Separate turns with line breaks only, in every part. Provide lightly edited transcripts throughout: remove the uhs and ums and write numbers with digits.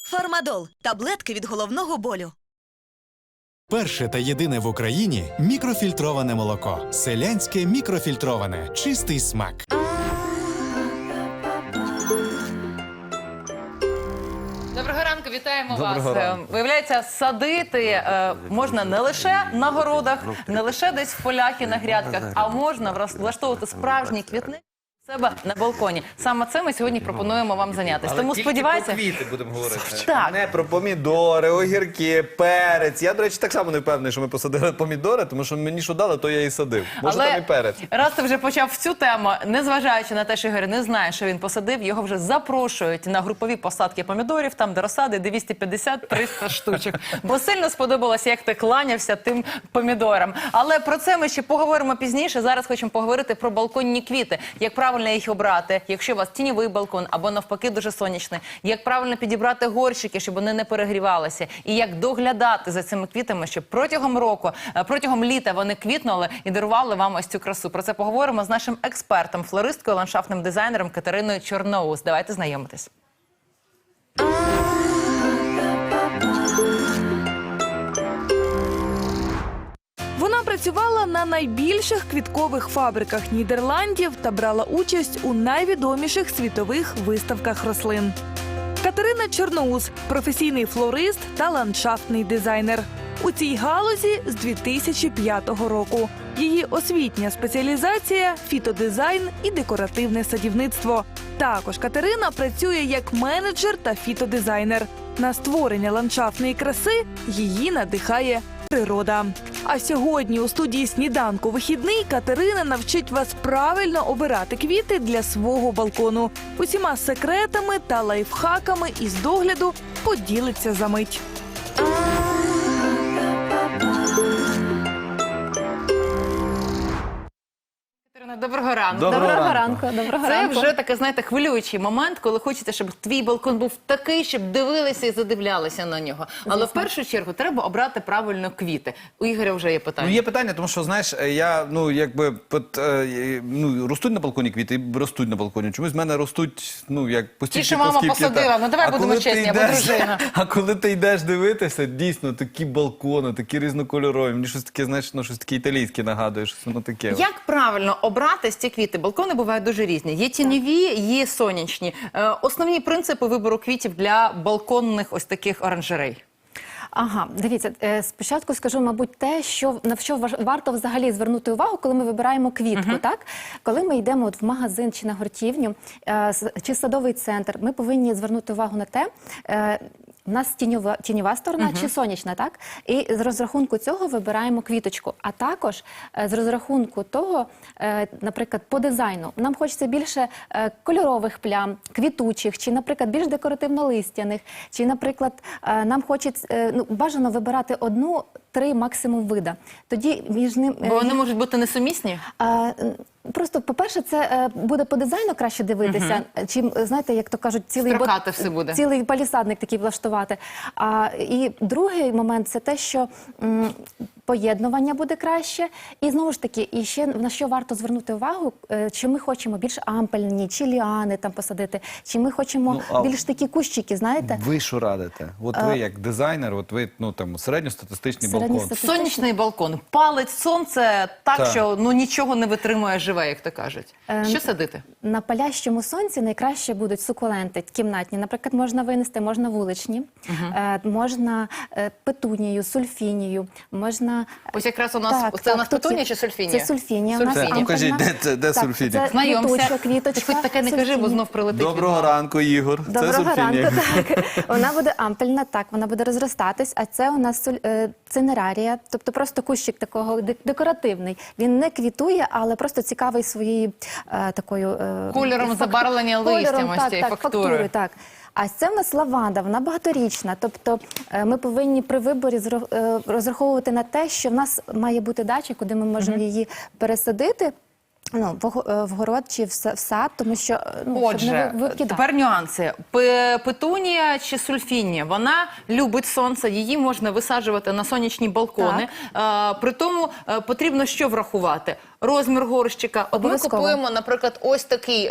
Фармадол – таблетки від головного болю.
Перше та єдине в Україні мікрофільтроване молоко. Селянське мікрофільтроване. Чистий смак.
Доброго ранку, вітаємо вас.
Ранку.
Виявляється, садити можна не лише на городах, не лише десь в полях і на грядках, а можна влаштовувати справжній квітник у себе на балконі. Саме це ми сьогодні пропонуємо вам зайнятися. Тому сподіваюся...
про квіти будемо говорити.
Так.
Не про помідори, огірки, перець. Я, до речі, так само не впевнений, що ми посадили помідори, тому що мені що дали, то я і садив. Може, там і перець.
Раз ти вже почав цю тему, незважаючи на те, що Ігор не знає, що він посадив, його вже запрошують на групові посадки помідорів, там де розсади 250-300 штучок. Бо сильно сподобалося, як ти кланявся тим помідорам. Але про це ми ще поговоримо пізніше. Зараз хочемо поговорити про балконні квіти. Як правильно їх обрати, якщо у вас тіньовий балкон або навпаки дуже сонячний. Як правильно підібрати горщики, щоб вони не перегрівалися. І як доглядати за цими квітами, щоб протягом року, протягом літа вони квітнули і дарували вам ось цю красу. Про це поговоримо з нашим експертом, флористкою, ландшафтним дизайнером Катериною Чорноус. Давайте знайомитись.
Вона працювала на найбільших квіткових фабриках Нідерландів та брала участь у найвідоміших світових виставках рослин. Катерина Чорноус – професійний флорист та ландшафтний дизайнер. У цій галузі з 2005 року. Її освітня спеціалізація – фітодизайн і декоративне садівництво. Також Катерина працює як менеджер та фітодизайнер. На створення ландшафтної краси її надихає природа. А сьогодні у студії «Сніданку вихідний» Катерина навчить вас правильно обирати квіти для свого балкону. Усіма секретами та лайфхаками із догляду поділиться за мить.
Доброго ранку.
Доброго ранку.
Це вже таке, знаєте, хвилюючий момент, коли хочеться, щоб твій балкон був такий, щоб дивилися і задивлялися на нього. Але в першу чергу треба обрати правильно квіти. У Ігоря вже є питання.
Ну, є питання, тому що, знаєш, я, ростуть на балконі квіти, і ростуть на балконі. Чомусь в мене ростуть, як постійно.
Ті, що мама посадила, ну давай будемо чесні, або дружина.
А коли ти йдеш дивитися, дійсно, такі балкони, такі різнокольорові. Мені щось таке, знаєш, щось таке італійське нагадує, щось воно таке.
Як правильно обрати ці квіти? Балкони бувають дуже різні. Є тіньові, є сонячні. Основні принципи вибору квітів для балконних ось таких оранжерей.
Ага, дивіться, спочатку скажу, мабуть, те, на що варто взагалі звернути увагу, коли ми вибираємо квітку, так? Коли ми йдемо в магазин чи на гуртівню, чи садовий центр, ми повинні звернути увагу на те, у нас тіньова сторона чи сонячна, так? І з розрахунку цього вибираємо квіточку. А також з розрахунку того, наприклад, по дизайну. Нам хочеться більше кольорових плям, квітучих, чи, наприклад, більш декоративно-листяних, чи, наприклад, нам хочеться, бажано вибирати 1-3 максимум вида. Тоді між ним...
Бо вони можуть бути несумісні?
Просто, по-перше, це буде по дизайну краще дивитися, чим, знаєте, як то кажуть, цілий палісадник такий влаштувати. І другий момент – це те, що поєднування буде краще. І знову ж таки, і ще на що варто звернути увагу, чи ми хочемо більш ампельні, чи ліани там посадити, чи ми хочемо більш такі кущики, знаєте.
Ви що радите? От ви як дизайнер, от ви, середньостатистичний балкон.
Сонячний балкон. Палить сонце так, що нічого не витримує живе, як то кажуть. Що садити?
На палящому сонці найкраще будуть сукуленти кімнатні. Наприклад, можна винести, можна вуличні, можна петунію, сульфінію, можна...
Ось якраз у нас, це у нас петунія чи сульфінія?
Це сульфінія.
Покажіть, де сульфінія?
Знайомся.
Квіточка.
Ти хоч таке не кажи, бо знов прилетить.
Доброго ранку, Ігор.
Доброго ранку, так. Вона буде ампельна, так, вона буде розростатись, а це у нас цинерарія, тобто просто кущик такого декоративний. Він не квітує, але просто цікавий своєю такою...
Кольором забарвлення листям, ось цієї фактури.
Так. А це в нас лаванда, вона багаторічна. Тобто ми повинні при виборі розраховувати на те, що в нас має бути дача, куди ми можемо її пересадити. в город чи в сад, тому що щоб не
Отже,
викидати.
тепер нюанси. Петунія чи сульфінія, вона любить сонце, її можна висаджувати на сонячні балкони. При тому потрібно що врахувати? Розмір горщика. От ми
Обов'язково.
купуємо, наприклад, ось такий,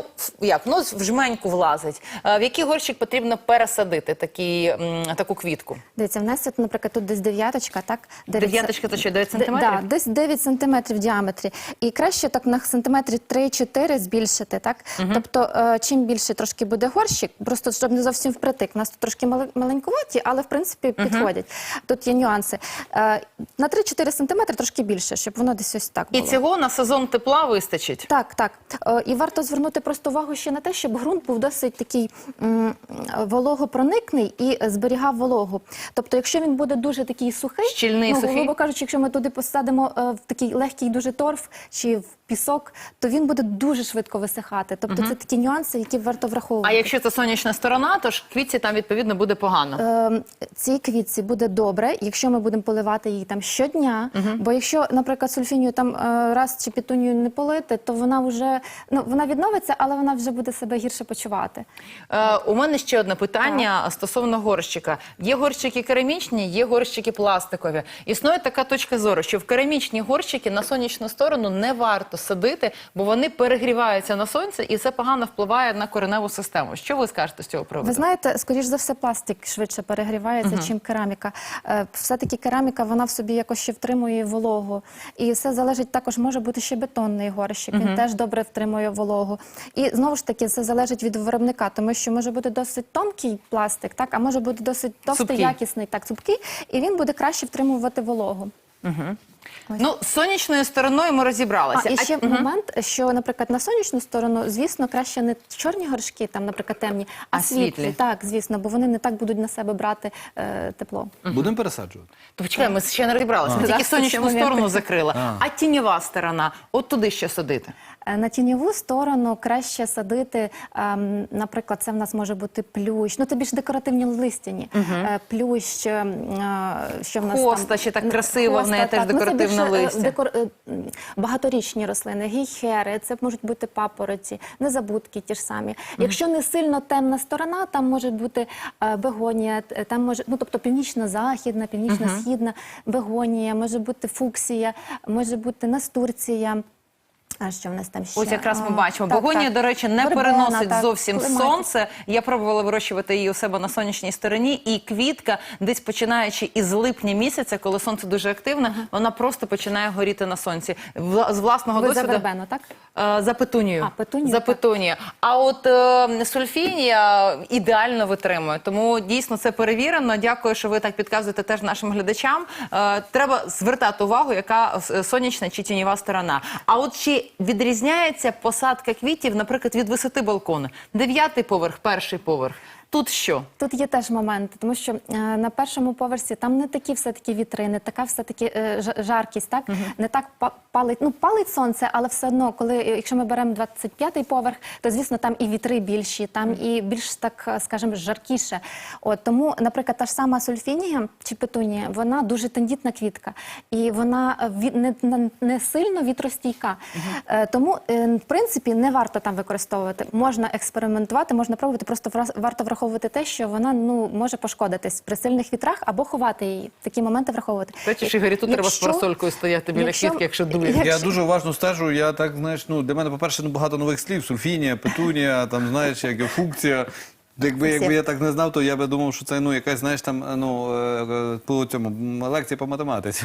в жменьку влазить. В який горщик потрібно пересадити таку квітку?
Дивіться, в нас, наприклад, тут десь дев'яточка, так?
Дев'яточка то що, 9 сантиметрів?
Так, десь 9 сантиметрів в діаметрі. І краще так на сантиметрі 3-4 збільшити, так? Тобто, чим більше трошки буде горщик, просто щоб не зовсім впритик. У нас тут трошки маленькуваті, але, в принципі, підходять. Тут є нюанси. На 3-4 сантиметри трошки більше, щоб воно десь ось так
І
було.
цього на сезон тепла вистачить?
Так. І варто звернути просто увагу ще на те, щоб ґрунт був досить такий вологопроникний і зберігав вологу. Тобто, якщо він буде дуже такий сухий,
Щільний, сухий?
грубо кажучи, якщо ми туди посадимо в такий легкий дуже торф чи в пісок, то він буде дуже швидко висихати. Тобто, це такі нюанси, які варто враховувати.
А якщо це сонячна сторона, то ж квітці там, відповідно, буде погано.
Цій квітці буде добре, якщо ми будемо поливати її там щодня, бо якщо, наприклад, сульфінію там раз чи петунію не полити, то вона вже, вона відновиться, але вона вже буде себе гірше почувати.
У мене ще одне питання стосовно горщика. Є горщики керамічні, є горщики пластикові. Існує така точка зору, що в керамічні горщики на сонячну сторону не варто садити, бо вони перегріваються на сонці, і це погано впливає на кореневу систему. Що ви скажете з цього приводу?
Ви знаєте, скоріш за все, пластик швидше перегрівається, чим кераміка. Все-таки кераміка, вона в собі якось ще втримує вологу. І все залежить, також може бути ще бетонний горщик, він теж добре втримує вологу. І знову ж таки, це залежить від виробника, тому що може бути досить тонкий пластик, так, а може бути досить товстий,
Цупкий.
якісний, так, цупкий, і він буде краще втримувати вологу.
З сонячною стороною ми розібралися.
І ще момент, що, наприклад, на сонячну сторону, звісно, краще не чорні горшки, там, наприклад, темні, а світлі. Так, звісно, бо вони не так будуть на себе брати тепло.
Будемо пересаджувати?
То почекай, ми ще не розібралися. Ми тільки сонячну сторону закрили. А тіньова сторона, от туди що садити?
На тіньову сторону краще садити, наприклад, це в нас може бути плющ, це більш декоративні листяні. Плющ, що в нас
Хоста,
там...
ще так красиво, в неї теж
так.
декоративне
Це більше,
листя.
Багаторічні рослини, гейхери, це можуть бути папороті, незабудки ті ж самі. Якщо не сильно темна сторона, там може бути бегонія, там може, тобто північно-західна, північно-східна бегонія, може бути фуксія, може бути настурція. А що в нас там ще?
Ось якраз ми бачимо.
Так,
Бегонія,
так.
до речі, не
Вербена,
переносить
так,
зовсім
клематис.
сонце. Я пробувала вирощувати її у себе на сонячній стороні. І квітка, десь починаючи із липня місяця, коли сонце дуже активне, вона просто починає горіти на сонці. З власного
Ви за
досвіду...
вербену, так?
За петунію.
А, петунію,
За
так.
петунію. А от сульфінія ідеально витримує. Тому дійсно це перевірено. Дякую, що ви так підказуєте теж нашим глядачам. Треба звертати увагу, яка сонячна чи тіньова сторона. А от чи відрізняється посадка квітів, наприклад, від висоти балкону? 9-й поверх, 1-й поверх. Тут що?
Тут є теж момент, тому що на першому поверсі там не такі все-таки вітри, не така все-таки жаркість, так? Не так палить, палить сонце, але все одно, якщо ми беремо 25-й поверх, то, звісно, там і вітри більші, там і більш, так, скажімо, жаркіше. Тому, наприклад, та ж сама сульфінія чи петунія, вона дуже тендітна квітка, і вона не сильно вітростійка. Тому, в принципі, не варто там використовувати. Можна експериментувати, можна пробувати, просто варто враховувати те, що вона може пошкодитись при сильних вітрах або ховати її. Такі моменти враховувати.
Бачиш, Ігорі, тут треба з парасолькою стояти біля квітки, якщо дує.
Я дуже уважно стежу, я так, знаєш, для мене, по-перше, багато нових слів. Сульфінія, петунія, там, знаєш, як функція. Якби я так не знав, то я би думав, що це, якась, знаєш, там, по цьому, лекція по математиці.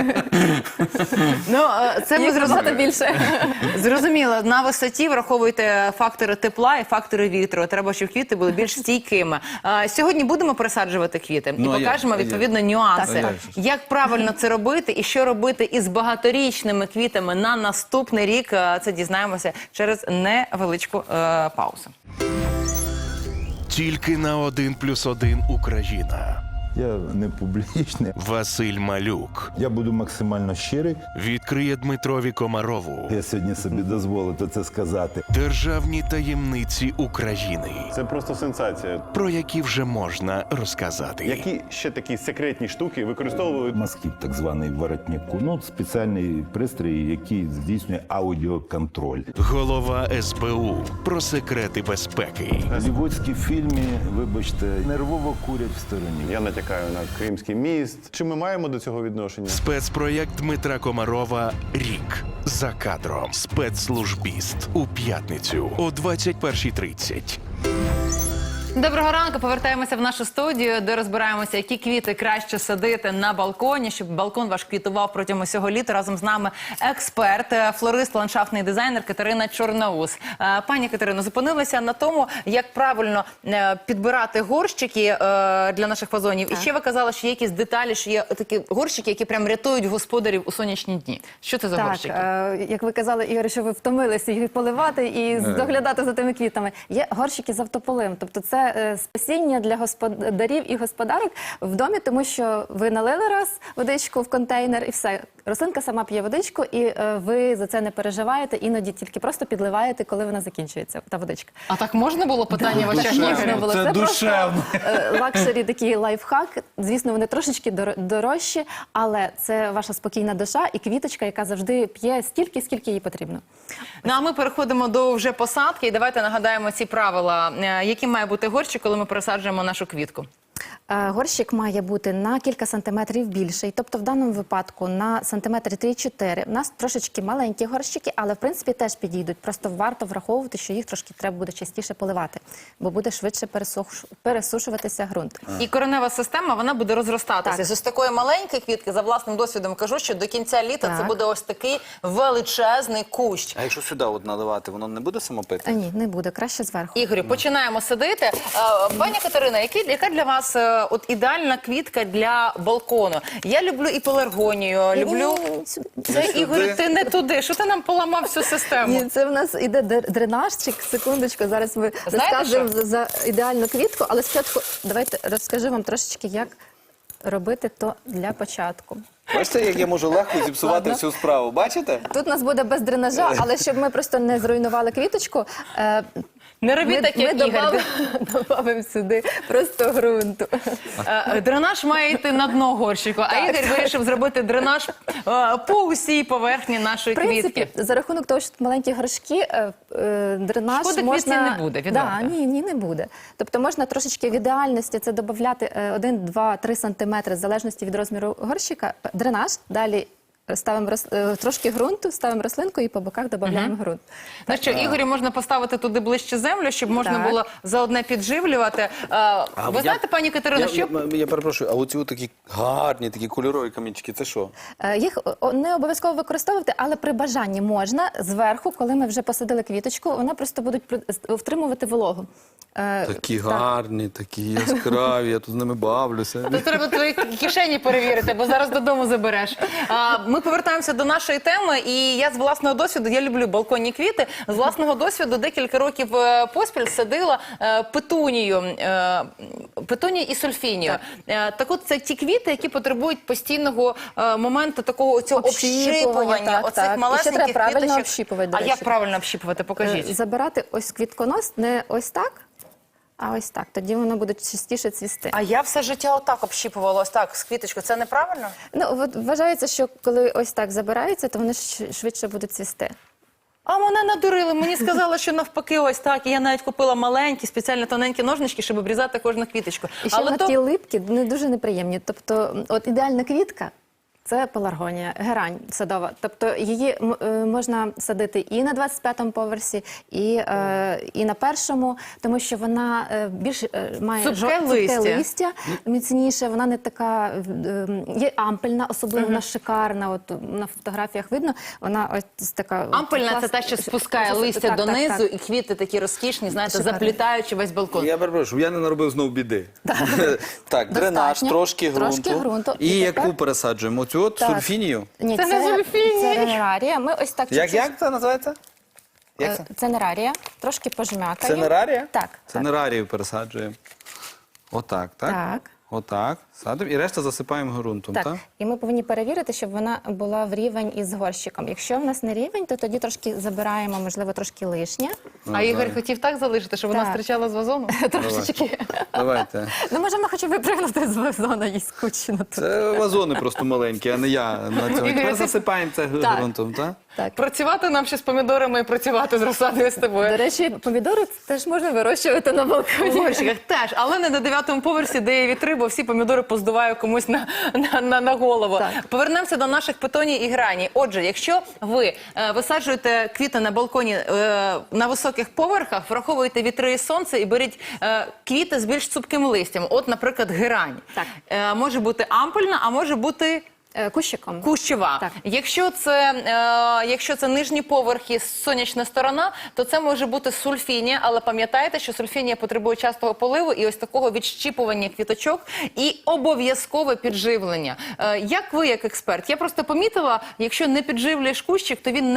Це ми зрозуміли більше. Зрозуміло, на висоті враховуйте фактори тепла і фактори вітру. Треба, щоб квіти були більш стійкими. Сьогодні будемо пересаджувати квіти і покажемо, відповідно, нюанси. Як правильно це робити і що робити із багаторічними квітами на наступний рік, це дізнаємося через невеличку паузу.
Тільки на 1+1 Україна. Я не публічний.
Василь Малюк
Я буду максимально щирий.
відкриє Дмитрові Комарову
Я сьогодні собі дозволив це сказати.
державні таємниці України,
Це просто сенсація.
про які вже можна розказати.
Які ще такі секретні штуки використовували?
Масків, так званий воротнику. Ну, спеціальний пристрій, який здійснює аудіоконтроль.
Голова СБУ про секрети безпеки.
В голлівудській фільмі, вибачте, нервово курять в стороні.
Я натякаю на Кримський міст. Чи ми маємо до цього відношення?
Спецпроєкт Дмитра Комарова «Рік. За кадром». Спецслужбіст. У п'ятницю о 21:30.
Доброго ранку. Повертаємося в нашу студію, де розбираємося, які квіти краще садити на балконі, щоб балкон ваш квітував протягом усього літа. Разом з нами експерт, флорист, ландшафтний дизайнер Катерина Чорноус. Пані Катерино, зупинилися на тому, як правильно підбирати горщики для наших вазонів. І ще ви казали, що є якісь деталі, що є такі горщики, які прям рятують господарів у сонячні дні. Що це за горщики?
Як ви казали, Ігор, що ви втомилися їх поливати і доглядати за тими квітами. Є горщики з автополим, тобто це спасіння для господарів і господарок в домі, тому що ви налили раз водичку в контейнер і все. Рослинка сама п'є водичку, і ви за це не переживаєте, іноді тільки просто підливаєте, коли вона закінчується, та водичка.
А так можна було питання в очах
Можна
Ігоря?
було.
Це душевно.
Лакшері такий лайфхак. Звісно, вони трошечки дорожчі, але це ваша спокійна душа і квіточка, яка завжди п'є стільки, скільки їй потрібно.
Ну, а ми переходимо до вже посадки. І давайте нагадаємо ці правила. Яким має бути горщик, коли ми пересаджуємо нашу квітку?
Горщик має бути на кілька сантиметрів більший, тобто в даному випадку на сантиметри 3-4. У нас трошечки маленькі горщики, але в принципі теж підійдуть. Просто варто враховувати, що їх трошки треба буде частіше поливати, бо буде швидше пересушуватися ґрунт.
І коренева система, вона буде розростатися.
Так.
З ось такої маленької квітки, за власним досвідом кажу, що до кінця літа
Так.
це буде ось такий величезний кущ.
А якщо сюди от наливати, воно не буде самопити?
Ні, не буде, краще зверху.
Ігорю, починаємо садити. Пані Катерина, яка для вас от ідеальна квітка для балкону? Я люблю і пеларгонію, люблю... Це, Ігор, ти не туди. Що ти нам поламав всю систему?
Ні, це в нас іде дренажчик. Секундочку, зараз ми
Знаєте
розкажемо за ідеальну квітку, але спочатку давайте розкажу вам трошечки, як робити то для початку.
Бачите, як я можу легко зіпсувати всю справу? Бачите?
Тут у нас буде без дренажа, але щоб ми просто не зруйнували квіточку,
Не робіть так, як Ігор.
додамо сюди просто ґрунту.
Дренаж має йти на дно горщику, а Ігор вирішив зробити дренаж по усій поверхні нашої
В принципі,
квітки.
за рахунок того, що тут маленькі горшки, дренаж
Шкоди
можна...
квітці не буде, відверто.
Ні, не буде. Тобто можна трошечки в ідеальності це додати 1, 2, 3 сантиметри, в залежності від розміру горщика, дренаж, далі ставимо трошки ґрунту, ставимо рослинку і по боках додаємо ґрунт.
Ну що, Ігорю можна поставити туди ближче землю, щоб можна
Так.
було заодне підживлювати. Ви знаєте, пані Катерино, що...
Я перепрошую, а оці такі гарні, такі кольорові камінчики, це що?
Їх не обов'язково використовувати, але при бажанні можна зверху, коли ми вже посадили квіточку, вона просто будуть втримувати вологу.
Такі гарні, такі яскраві, я тут з ними бавлюся.
То треба твої кишені перевірити, бо зараз додому забереш. Ми повертаємося до нашої теми, і я з власного досвіду, я люблю балконні квіти, з власного досвіду декілька років поспіль садила петунію і сульфінію. Так от це ті квіти, які потребують постійного моменту такого цього общипування, оцих малесеньких
треба правильно
квіточок.
общіпувати, до
А
речі.
як правильно общіпувати? Покажіть.
Забирати ось квітконос не ось так, а ось так. Тоді воно буде частіше цвісти.
А я все життя отак общіпувала, ось так, з квіточкою. Це неправильно?
Ну, от вважається, що коли ось так забирається, то вони швидше будуть цвісти.
А мене надурили, мені сказали, що навпаки ось так. І я навіть купила маленькі, спеціально тоненькі ножнички, щоб обрізати кожну квіточку.
І ще на ті липкі не дуже неприємні. Тобто, от ідеальна квітка – це пеларгонія, герань садова. Тобто її можна садити і на 25-му поверсі, і на першому, тому що вона більш має
Цупке
листя, міцніше, вона не така, є ампельна, особливо вона шикарна, от на фотографіях видно, вона ось така...
Ампельна – це та, що спускає листя донизу, і квіти такі розкішні, знаєте,
Шикарно.
заплітаючи весь балкон.
Я перепрошую, я не наробив знову біди. Так, дренаж,
Достатньо.
трошки
Трошки
ґрунту.
ґрунту.
І
І
яку
тепер-
пересаджуємо? Оцю от
Так.
сульфінію?
Ні,
Це не зульфінія.
Це нерарія. Ми ось так чуть-чуть...
Як це називається? Як це?
Це нерарія. Трошки пожмякаємо.
Це нерарія?
Так.
Це нерарію пересаджуємо. Отак, так?
Так.
Отак. Садимо і решта засипаємо ґрунтом, так?
Так, і ми повинні перевірити, щоб вона була в рівень із горщиком. Якщо в нас не рівень, то тоді трошки забираємо, можливо, трошки лишнє.
А Ігор хотів так залишити, щоб вона
Так.
стрічала з вазону?
Трошечки.
Давайте.
Ну, можемо хоча б випригнути з вазона, їй скучно тут.
Це вазони просто маленькі, а не я на цьому. Тепер засипаємо це
Так.
ґрунтом, так?
Так.
Працювати нам ще з помідорами і працювати з розсадою з тобою.
До речі, помідори теж можна вирощувати на
У
балконі.
горщиках теж, але не на 9-му поверсі, де є вітри, бо всі помідори поздуваю комусь на голову.
Так.
Повернемося до наших петоній і грані. Отже, якщо ви висаджуєте квіти на балконі на високих поверхах, враховуєте вітри і сонце і беріть квіти з більш цупким листям. От, наприклад, герань.
Так.
Може бути ампульна, а може бути
Кущиком.
кущова.
Так.
Якщо це нижні поверхи, сонячна сторона, то це може бути сульфінія, але пам'ятайте, що сульфінія потребує частого поливу і ось такого відщіпування квіточок і обов'язкове підживлення. Як ви, як експерт? Я просто помітила, якщо не підживлюєш кущик, то він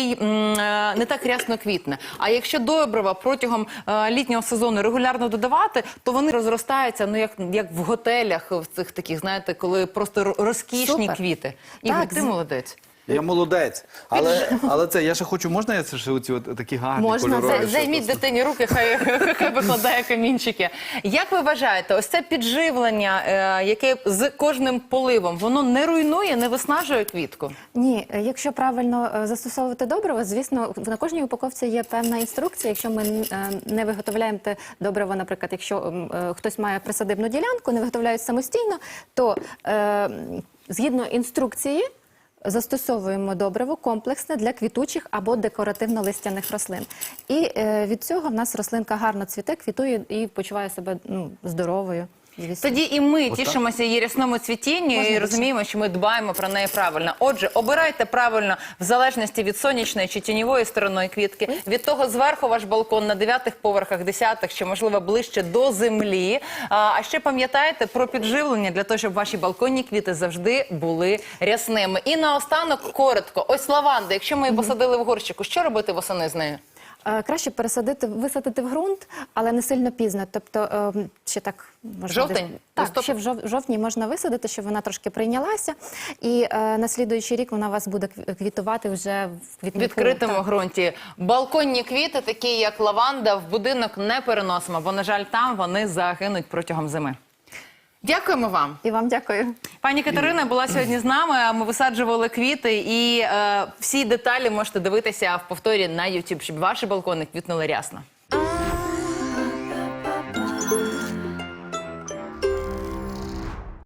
не так рясно квітне. А якщо добрива протягом літнього сезону регулярно додавати, то вони розростаються, ну як в готелях, в цих таких, знаєте, коли просто розкішні
Супер.
квіти. Ігор,
Так,
ти молодець.
Я молодець. Але це, я ще хочу, можна я це ще оці от такі гарні
Можна,
кольорові?
Займіть дитині руки, хай викладає камінчики. Як ви вважаєте, ось це підживлення, яке з кожним поливом, воно не руйнує, не виснажує квітку?
Ні, якщо правильно застосовувати добриво, звісно, на кожній упаковці є певна інструкція. Якщо ми не виготовляємо те добриво, наприклад, якщо хтось має присадибну ділянку, не виготовляють самостійно, то згідно інструкції застосовуємо добриво комплексне для квітучих або декоративно-листяних рослин. І від цього в нас рослинка гарно цвіте, квітує і почуває себе здоровою. Звісно.
Тоді і ми тішимося її рясному цвітінню і розуміємо, що ми дбаємо про неї правильно. Отже, обирайте правильно в залежності від сонячної чи тіньової сторони квітки, від того зверху ваш балкон на 9-х поверхах, 10-х, чи можливо ближче до землі. А ще пам'ятайте про підживлення для того, щоб ваші балконні квіти завжди були рясними. І наостанок коротко. Ось лаванда, якщо ми її посадили в горщику, що робити восени з нею?
Краще висадити в ґрунт, але не сильно пізно. Тобто ще так можна
Жовтень?
Так, ще в жовтні можна висадити, щоб вона трошки прийнялася. І на слідуючий рік вона у вас буде квітувати вже в квітнику.
Відкритому
Так.
ґрунті. Балконні квіти, такі як лаванда, в будинок не переносимо, бо, на жаль, там вони загинуть протягом зими. Дякуємо вам.
І вам дякую.
Пані Катерина була сьогодні з нами. Ми висаджували квіти, і всі деталі можете дивитися в повторі на YouTube, щоб ваші балкони квітнули рясно.